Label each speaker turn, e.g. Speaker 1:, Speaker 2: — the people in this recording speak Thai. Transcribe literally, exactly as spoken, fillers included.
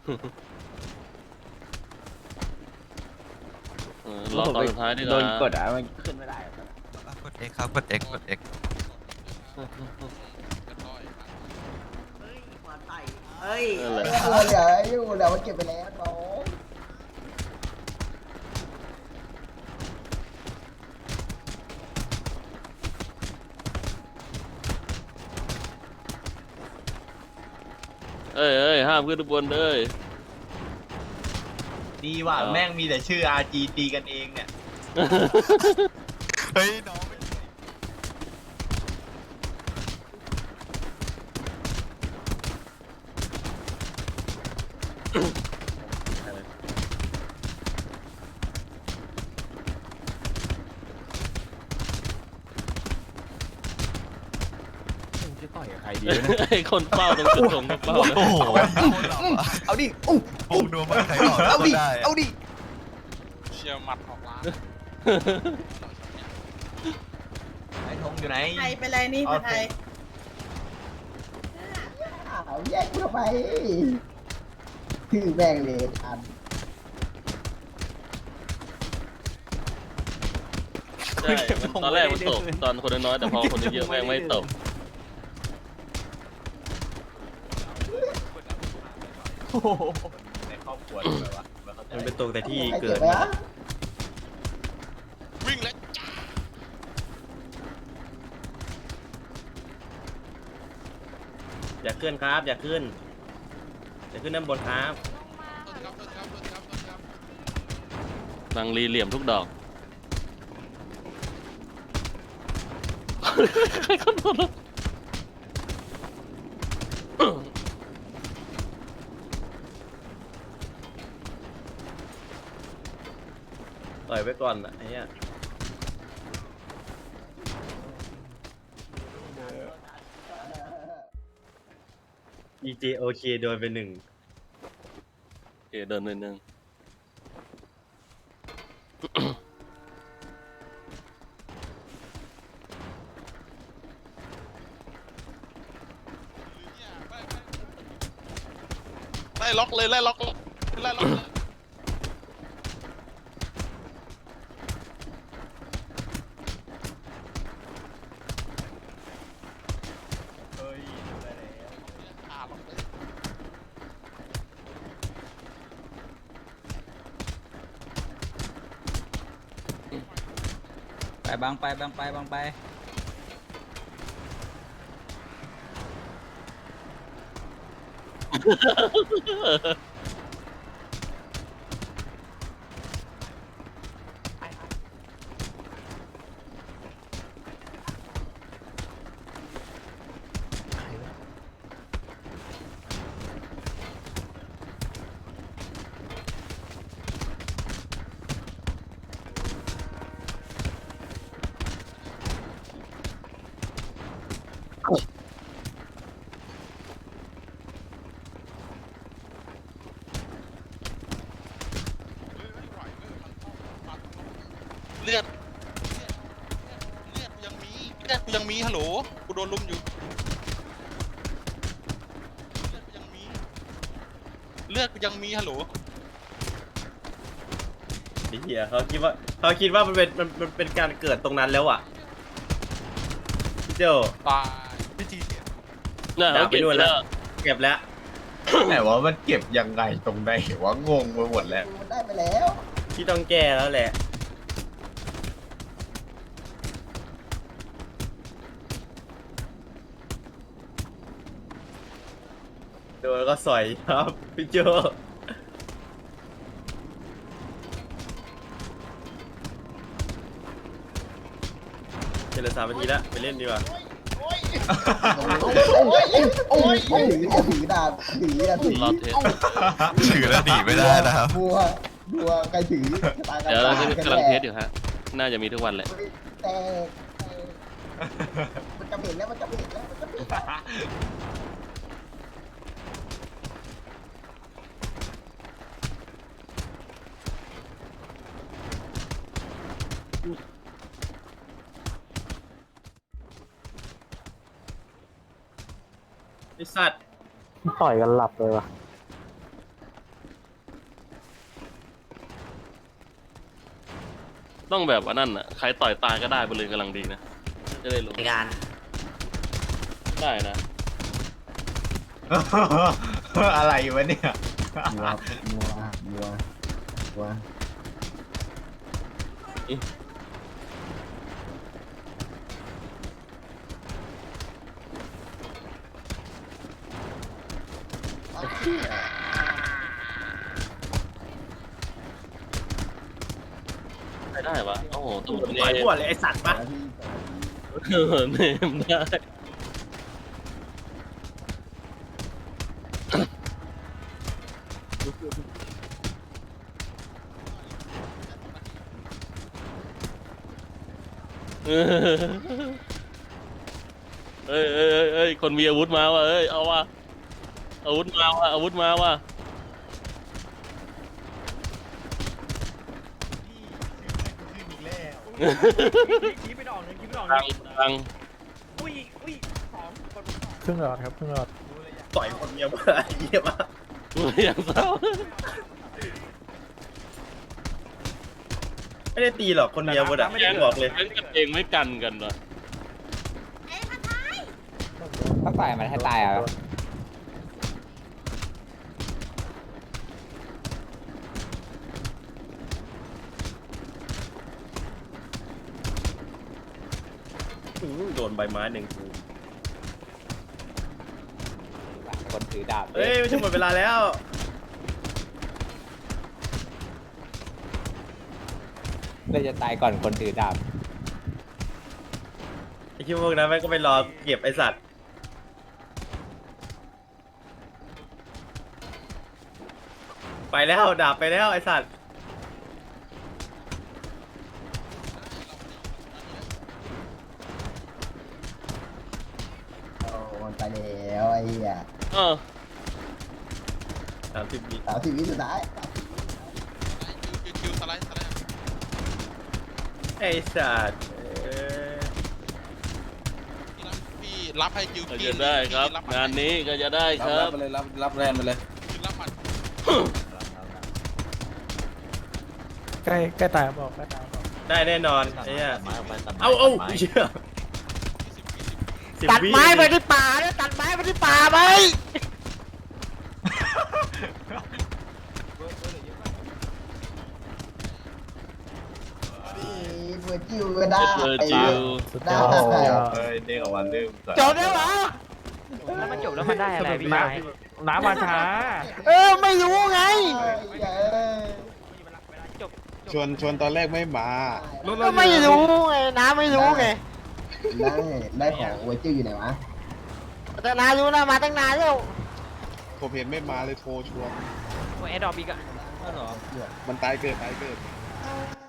Speaker 1: รอตอนสุดท้ายดีกว่า
Speaker 2: โดนกดอ่ะมันขึ้นไม่ได้
Speaker 3: กด X ครับกด X กด X
Speaker 4: เฮ้ย
Speaker 1: นั่นแหละ
Speaker 4: เออเดี๋ยวอยู่เดี๋ยวมันเก็บไปแล้วน้อง
Speaker 1: เอ้ยเอ้ยห้ามขึ้นทุกบนเลย
Speaker 2: ดีว่ะ
Speaker 1: อ้าว
Speaker 2: แม่งมีแต่ชื่อ อาร์ จี ตีกันเองเนี่ย
Speaker 3: เฮ้ยน้องไม่
Speaker 2: จะต่อยกับใครดี
Speaker 1: ไอ้คนเฝ้าตรงจุดส่งก็เฝ้านะ
Speaker 3: โอ้โห
Speaker 4: เอาดิอู้
Speaker 3: ปูดูมันใครออก
Speaker 4: เอาดิ
Speaker 3: ได้
Speaker 4: เอาดิ
Speaker 5: เชียร์หมัดออกล้าง
Speaker 2: ไอ้ธงอยู่ไหน
Speaker 6: ไทยไปเลยนี่ผัดไทย
Speaker 4: เอาแยกกูทำไมคือแม่งเลยทัน
Speaker 1: ใช่มันตอนแรกมันตกตอนคนน้อยๆแต่พอคนเยอะๆแม่งไม่ตก
Speaker 2: โอ้โหในครอบครัวเลยวะมันเป็นตรงแต่ที่
Speaker 4: ใคร
Speaker 2: เกิ
Speaker 4: เก็
Speaker 2: ด
Speaker 4: บไว้อะ
Speaker 5: วิ่งแล้ว
Speaker 2: อย่าขึ้นครับ อย่าขึ้น อย่าขึ้นด้านบนครับ
Speaker 5: ครับครับครับครับ
Speaker 1: บางรีเหลี่ยมทุกดอกใครคนโดน
Speaker 2: ต่อยไว้ก่อนอ่ะไอ้เนี้ย อี เจ โอ เค โดนไปหนึ่ง
Speaker 1: เอเดินนิดนึง
Speaker 5: ไล่ล็อกเลยไล่ล็อกไล่ล็อกเลย
Speaker 2: เฮ้ยได้แล้ว
Speaker 5: ขาล็อกเลย
Speaker 7: ไปบางไปบางไปบางไป
Speaker 5: เลือดเลือดกูยังมีเลือดกูยังมีฮัลโหลกูโดนลุมอยู่เลือดกูยังมีเลือดกูยังมีฮัลโหล
Speaker 2: ไอ้เหี้ยเขาคิดว่าเขาคิดว่ามันเป็นมันมันเป็นการเกิดตรงนั้นแล้วอ่ะพี่เจ้า
Speaker 5: ตายพี่จีเนี่ย
Speaker 1: น่าเขาเก็บไปแล้ว
Speaker 2: เก็บแล้ว
Speaker 8: แต่ว่ามันเก็บยังไงตรงไหนวะงงไปหมดแล้ว
Speaker 4: มันได้ไปแล้ว
Speaker 2: ที่ต้องแก้แล้วแหละโดนก็สอยครับพี่โจเจริญสามนาทีแล้วไปเล่นดีกว่า
Speaker 4: โอ้ยโอ้ยถือจะถือดาบถือจะถือ
Speaker 1: รอเทส
Speaker 3: ถือแล้วหนีไม่ได้นะครับ
Speaker 4: บัวบัวใครถือตายกัน
Speaker 1: เดี๋ยวเราจะ
Speaker 4: ตาย
Speaker 1: กำลังเทสอยู่ฮะ น่าจะมีทุกวันแหละ
Speaker 4: แต่มันจะเห็นแล้วมันจะเห็นแล้วมันจะเห็นแล้ว
Speaker 2: ไอสัตว์
Speaker 9: ต่อยกันหลับเลยว่ะ
Speaker 1: ต้องแบบว่านั่นอ่ะใครต่อยตายก็ได้บริเวณกำลังดีนะจะได้รู้
Speaker 6: ในการ
Speaker 1: ได้นะ
Speaker 8: อะไรวะเนี่ย
Speaker 4: มัวมัวมัวมัวเหี้ย
Speaker 1: ใครได้ปะโอ้โหตำรวจ
Speaker 2: ต่อย
Speaker 1: เนี่ย
Speaker 2: หัวเลยไอสัตว์ปะ
Speaker 1: เออเนมได้เออเอ้ยเอ้ยเอ้ยเอ้ยคนมีอาวุธมาว่ะเอ้ยเอาว่ะอาวุธมาว่ะอาวุธมาว่ะ
Speaker 2: คิดไม่ออกเลยคิดไม่ออก
Speaker 1: ตังตัง
Speaker 2: อุ้ยอุ้ยสองคน
Speaker 9: ครึ่งหลอดครับครึ่งหลอด
Speaker 2: ต่อยคนเมียมาเยี่ยมาก
Speaker 1: อย่างเศร้า
Speaker 2: ไม่ได้ตีหรอกคนเมียบดอะบอกเลย
Speaker 1: เล่นกันเองไม่กันกันเหรอ
Speaker 7: ถ้าต่อยมันให้ตายอ่ะ
Speaker 2: อื้อโดนใบไม้หนึ่งกู
Speaker 7: คนถือดาบ
Speaker 2: เอ้ยไม่ใช่หมดเวลาแล้ว
Speaker 7: เลยจะตายก่อนคนถือดาบ
Speaker 2: ไอคิดพวกนั้นแม่งก็ไปรอเก็บไอสัตว์ไปแล้วดาบไปแล้วไอสัตว์
Speaker 4: โอ้มันไปแล้วไอ้เหี้ย
Speaker 1: เออ
Speaker 2: สามสิบวิ
Speaker 4: สามสิบวิสุดท้าย
Speaker 5: คิวคิวสไลด์สไลด์
Speaker 2: ไอสัตว์เอ้ย
Speaker 5: พี่รับให้คิว
Speaker 1: ก็
Speaker 5: พี่
Speaker 1: จะได้ครับ
Speaker 5: พี่
Speaker 1: งานนี้ก็จะได้ครับ
Speaker 8: ไปเลยรับรับแรงไปเลย
Speaker 5: พี่รับมัน
Speaker 9: ใกล้ใกล้ตายบอกใกล้ตายบอก
Speaker 2: ได้แน่นอนไอ้เนี่ย
Speaker 6: ไม้ออกไปตัดไม้
Speaker 2: เอาเอา
Speaker 6: ตัดไม้
Speaker 2: เชื่อสิบ
Speaker 6: ตัด
Speaker 2: วิ
Speaker 6: ไม้ไปที่ป่าเนี่ยตัดไม้ไปที่ป่าไหม
Speaker 4: เบอร์จิวก็ได้
Speaker 1: เจอจิว
Speaker 9: สุด
Speaker 4: ได้
Speaker 9: ยอดสุดยอด
Speaker 8: เฮ้ยเด้งออกมาเริ่ม
Speaker 6: จบแล้วเหรอ
Speaker 7: แล้วมันจบแล้วมันได้อะไรพี่
Speaker 9: น้
Speaker 7: ไม้
Speaker 9: ำน้ำมาช้า
Speaker 6: เออไม่รู้ไง
Speaker 8: ชวนชวนตอนแรกไม่มา
Speaker 6: ก็ไม่รู้ไงน้าไม่รู้ไง
Speaker 4: ได้ได้ของเวอร์จิวอยู่ไหนวะ
Speaker 6: แต่น้ารู้นะมาตั้งนานแล้ว
Speaker 8: ผมเห็นไม่มาเลยโทรชวน
Speaker 7: แอดดอปอีกอ่ะ
Speaker 8: มันตายเกิดตายเกิด